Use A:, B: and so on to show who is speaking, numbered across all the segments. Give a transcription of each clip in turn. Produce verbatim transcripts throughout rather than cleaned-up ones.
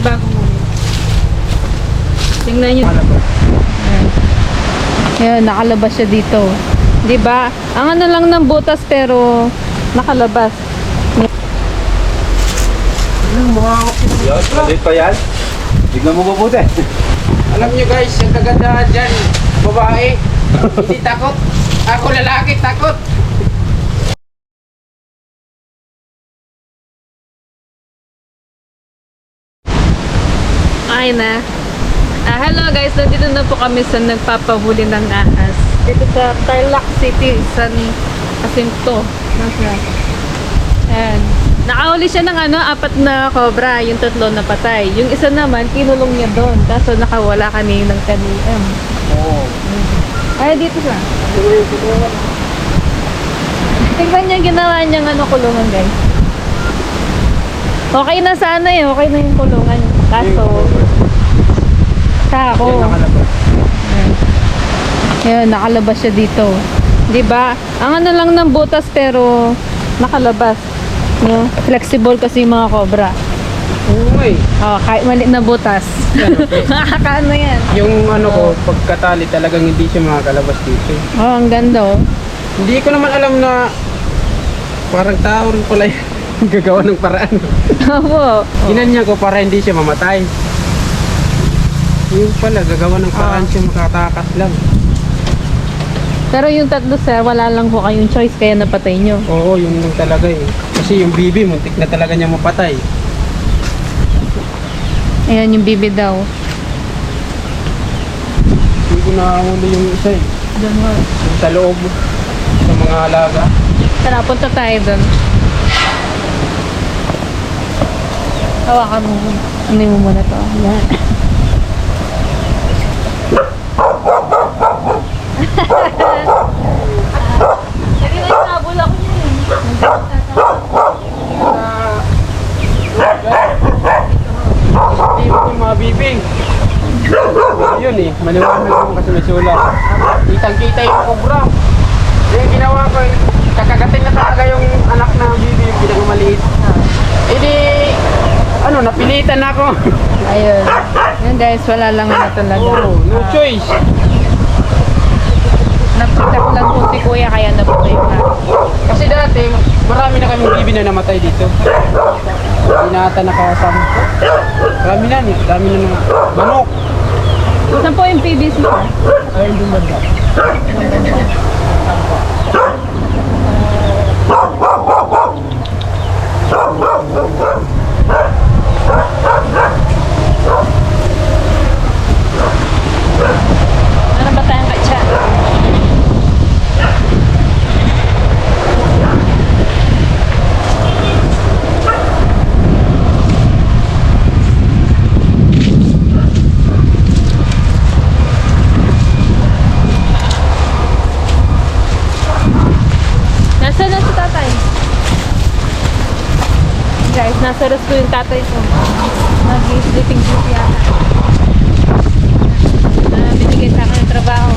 A: bagong muli. Tingnan nyo. Ayan. Ayan, nakalabas siya dito. Di ba? Ang ano lang ng butas pero nakalabas.
B: Yun, malit pa yan. Tignan mo mabuti.
C: Alam nyo guys, yung kagandahan dyan, babae, hindi takot. Ako lalaki, takot.
A: Ay na. Ah, hello guys, nandito na po kami sa nagpapahuli ng ahas. Dito sa Tarlac City, San Jacinto. Nasa. Ayan. Nakahuli siya ng ano, apat na cobra, yung tatlo na patay. Yung isa naman, kinulong niya doon. Kaso nakawala kaninang kanina.
C: Oo.
A: Ay, dito siya. Tingnan niya ginawa niyang ano, kulungan guys. Okay na sana eh, okay na yung kulungan. Kaso, sa ako.
C: Yan nakalabas.
A: Ayan, nakalabas siya dito. 'Di ba? Ang ano lang ng butas pero nakalabas. No? Flexible kasi yung mga cobra.
C: Oo eh.
A: Oh, kahit maliit na butas. Nakakaano yan.
C: Yung ano ko, pagkatali talagang hindi siya makakalabas dito.
A: Oh, ang ganda oh.
C: Hindi ko naman alam na parang tao rin pala yan. Gagawa ng paraan.
A: Oo.
C: Ginanya ko para hindi siya mamatay. Yung pala, gagawa ng paraan siya makatakas lang.
A: Pero yung tatlo sir, wala lang po kayong choice kaya napatay nyo.
C: Oo, yun lang talaga eh. Kasi yung bibi, muntik na talaga niya mapatay.
A: Ayan yung bibi daw.
C: Hindi ko nakahuli yung isa eh.
A: Doon mo.
C: Yung sa loob, sa mga alaga.
A: Tara, punta tayo doon. Hawakan mo. Ano mo muna to. Yan. Lagi na yung nabol ako niya eh.
C: Hindi ko yung mga bibing. Yun eh, maliwanag naman kasi may sulat. Kitang-kita yung cobra. Yung ginawa ko eh, kakagatin na talaga yung anak ng bibi, yung pinakamaliit. Eh di, ano, napilitan ako.
A: Ayun. Yan guys, wala lang na talaga.
C: Oo, no choice.
A: Napitak lang po si kuya kaya napatay na.
C: Kasi dati, marami na kaming bibi na namatay dito. Hindi na ata nakasama. Marami na, eh. Marami na mga manok.
A: Saan po yung P V C?
C: Ayun doon banda.
A: Ano ba tayong katsa? Nasaan na si tatay? Guys, nasa resto yung tatay ko. Nag-sleeping duty yata. Na binigay sa akin ng trabaho.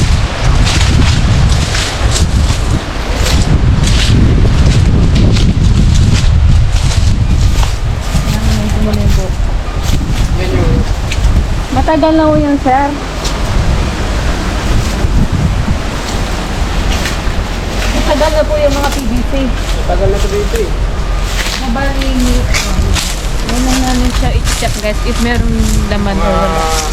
A: Ayan, may tumulibo.
C: Yan yung
A: Matagal na po yan, sir. Matagal na po yung mga P V C.
C: tagal na ito dito eh.
A: Mabali yung yun lang namin siya i-check guys if meron laman o wala.
C: Ah,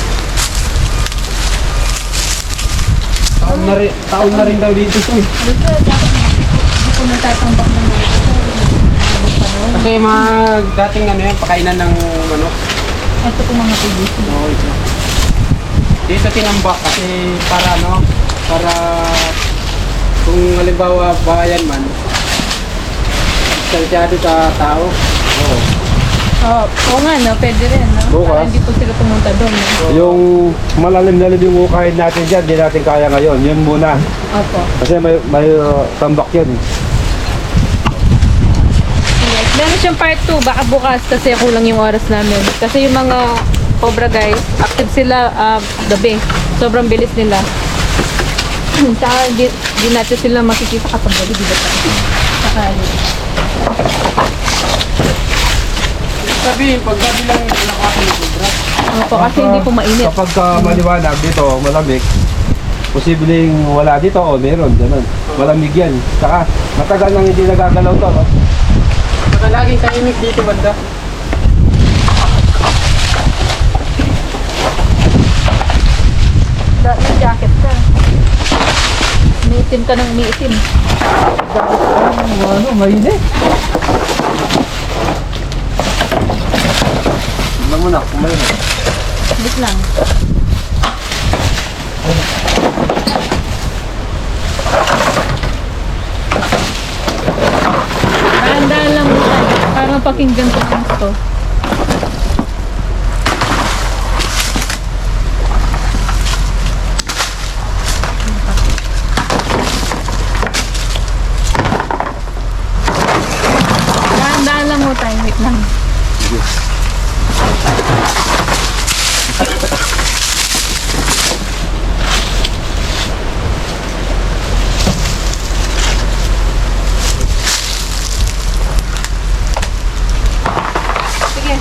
C: taon na rin, taon na rin daw dito eh.
A: Dito, dapat hindi ko natatambak ng mga ito.
C: Kasi mga dating ano yan, pakainan ng manok.
A: Ito po mga P V C.
C: Oo, ito. Dito tinambak kasi para ano, para kung halimbawa bayan man, salsyado sa tao. Oo.
A: Oo, oo nga no, pwede rin no?
B: Bukas.
A: Para hindi po sila pumunta doon no?
B: Yung malalim na yung hukahin natin dyan, di natin kaya ngayon. Yun muna.
A: Opo.
B: Kasi may, may uh, tambak yan.
A: Yes. Meron siyang part two, baka bukas kasi kulang yung oras namin. Kasi yung mga cobra guys, active sila uh, gabi. Sobrang bilis nila. Saka di, di natin sila makikita kapag gabi, di ba tayo? Saka
C: Sabihin, pag gabi lang
A: Opo, kasi hindi po mainit.
B: Kapag uh, maliwanag dito, malamig, posibleng wala dito o meron, ganun. Malamig yan. Saka matagal nang hindi nagagalaw to. No?
C: Saka laging tahimik dito banda.
A: Da, may jacket ka. Umiitim ka ng umiitim.
B: Ano, mainit. Tignan mo na, kung mainit.
A: Bit lang. Dahan-dahan lang mo tayo. Parang pakinggan ko lang ito. Dahan-dahan lang mo tayo. Wait lang. Sige.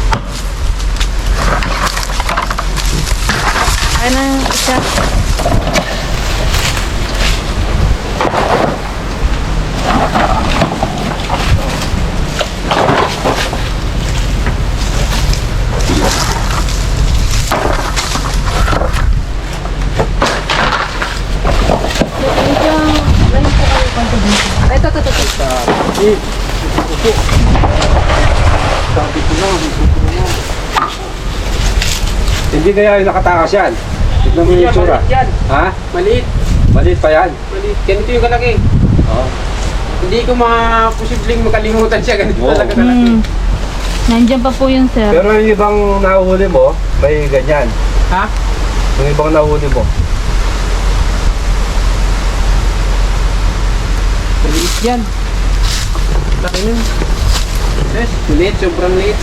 A: Kaya na isa. Ay, ito, ito, ito, ito.
B: Eh, upo. Sabi ko lang, upo na. Hindi kaya yung nakatakas yan. Tignan mo yung
C: Yan,
B: itsura.
C: maliit yan.
B: Ha?
C: Maliit.
B: Maliit pa yan.
C: Maliit. Ganito yung kalaki.
B: Oo.
C: Hindi ko maposibleng makalimutan siya. Ganito
B: Oo.
C: talaga kalaki.
A: Hmm. Nandiyan pa po yun, sir.
B: Pero yung ibang nahuhuli mo, may ganyan.
C: Ha?
B: Yung ibang nahuhuli mo.
C: Maliit yan. Laki nun. Yes, maliit. Sobrang liit.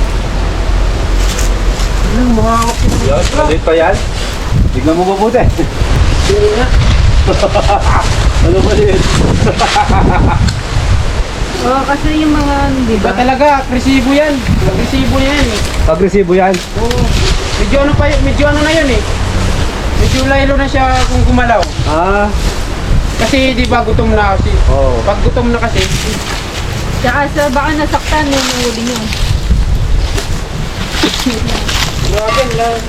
C: Ano, makakap
B: Yan, maliit pa yan. Tignan mo mabuti.
C: Hindi nga.
B: Ano maliit?
A: Oo, kasi yung mga, di
C: Iba
A: ba?
C: talaga, agresibo yan. Agresibo yan eh.
B: Agresibo yan.
C: Oo. Medyo ano pa y- medyo ano na yun eh. Medyo laylo na siya kung gumalaw.
B: Ah,
C: Kasi di ba gutom na kasi.
B: oo.
C: Pag gutom na kasi,
A: Tsaka sa baka nasaktan yung huli nyo.
C: grabe ang lahat.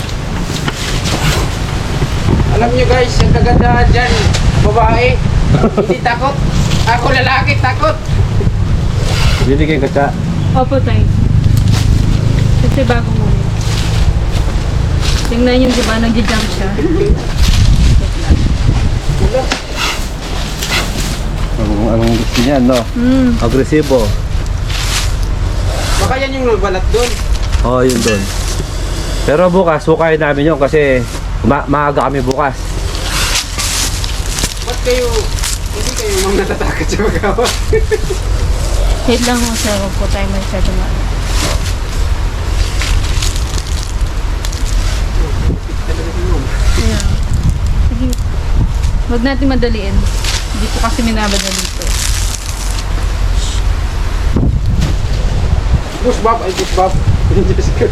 C: Alam nyo guys, ang kagandahan dyan, babae, hindi takot. Ako lalaki, takot.
B: Binigyan ka siya.
A: Opo, tayo. Kasi bago mo yun. Tingnan yung di ba, nag-jump siya.
B: Anong, anong gusto niya, no?
A: Hmm.
B: Agresibo.
C: Baka yan yung nagbalat doon.
B: Oo, oh, yun doon. Pero bukas, sukayin namin yun kasi ma maaga kami bukas.
C: Ba't kayo, hindi kayo mang natatakot sa magawa?
A: Wait lang mo, sir. Huwag po tayo masyado ma... Ayan. Sige. Huwag natin madaliin. Hindi po kasi minabadali ito.
C: Push Bob, ay push Bob. Diyos ko.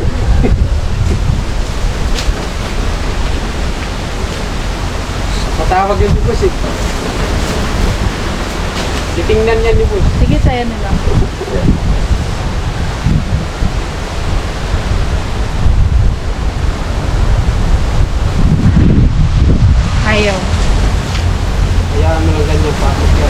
C: Patawag yun ni Boss eh. Titingnan niya ni Boss.
A: Sige, tayo na lang. Ayaw.
C: Kaya ano lang ganyan pasok yan.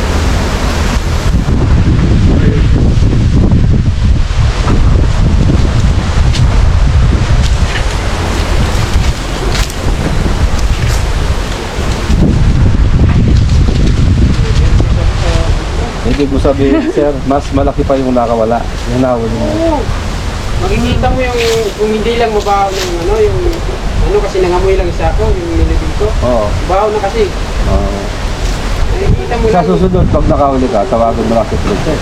B: Hindi mo sabihin, sir, mas malaki pa yung nakawala. Yung nahuli mo.
C: Oo. Makikita mo yung kung hindi lang mabaho ng ano, yung ano kasi nangamoy lang isa ko, yung nilibig ko.
B: Oo.
C: Baho na kasi.
B: Oo.
C: Nakikita mo
B: Sa
C: lang.
B: susunod, pag nakahuli ka, tawagan mo lang si Princess.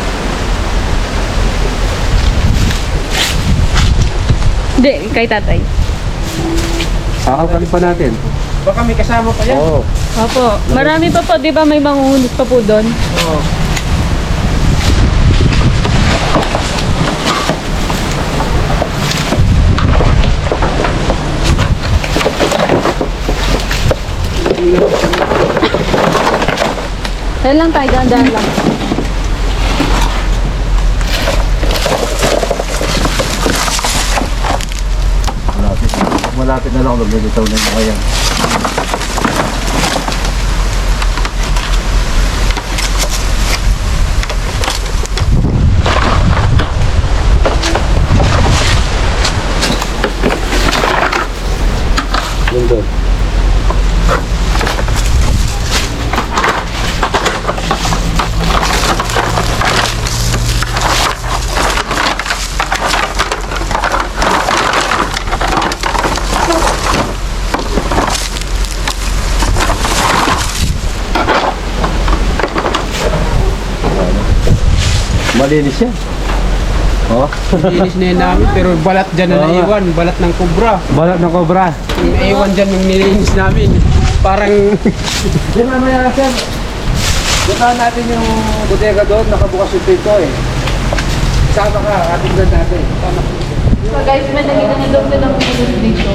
A: Hindi, kay tatay.
B: Kakalkalin pa natin.
C: Baka may kasama pa yan.
B: Oo.
A: Opo. Marami pa po, di ba may mangungulit pa po doon?
C: Oo.
A: Kaya lang tayo, dahan-dahan lang.
B: Malapit na. Malapit na lang ako. Maglilitaw na yung kaya. Yun doon. Malinis yan. Oh.
C: Linis na yun namin, pero balat dyan na
B: Oo nga.
C: naiwan. Balat ng kubra.
B: Balat ng cobra.
C: Yung naiwan dyan yung nilinis namin. Parang
B: Di mamaya sir. Puntahan natin yung bodega doon. Nakabukas yung pinto eh. Sama ka. Ating doon natin.
A: So guys, may nakita na daw ng minus dito.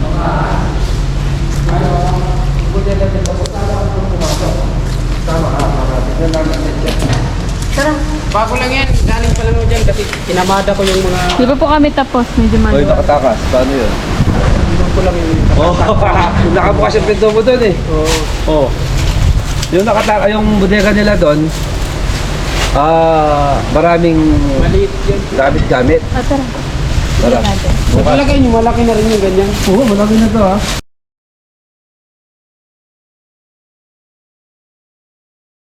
B: Sama ka. Ating doon natin.
A: Tara.
C: bago lang yan. Galing pa lang ako dyan kasi kinamada ko yung mga...
A: Di ba po kami tapos? Medyo
B: Oy,
A: maluwag.
B: nakatakas. Paano yun?
C: Doon ko lang yung...
B: Oh, nakabukas yung pinto mo doon eh.
C: Oo.
B: Oh. Yung nakataka, yung bodega nila doon, ah, maraming
C: Maliit yan.
B: gamit-gamit.
A: Ah, tara.
B: Tara.
A: Tingnan natin.
C: Nakalagay nyo, malaki na rin yung ganyan.
B: Oo, malaki na to ha.